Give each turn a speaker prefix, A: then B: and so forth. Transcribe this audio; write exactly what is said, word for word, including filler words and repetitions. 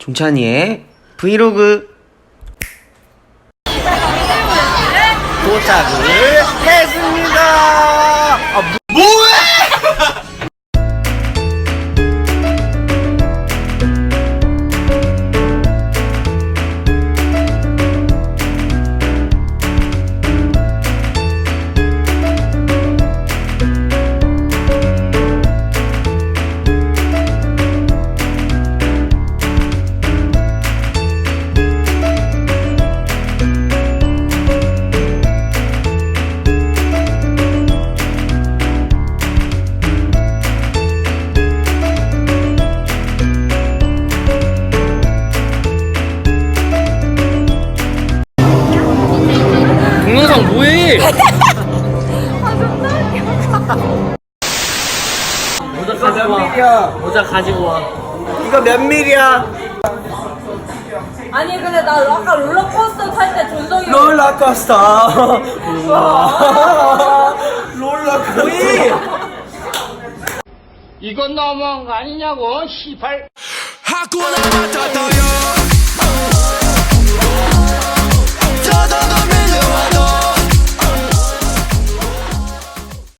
A: 동찬이의 브이로그 도착을 했습니다. 아, 뭐해?
B: 동영상 뭐해? 모자 가지고 와. 모자 가지고 와.
A: 이거 몇 밀이야?
C: 아니 근데 나 아까 롤러코스터 탈 때 존성이
A: 롤러코스터. 롤러코스터.
B: 이건 너무한 거 아니냐고, 시발.
D: 하쿠나 마타타요.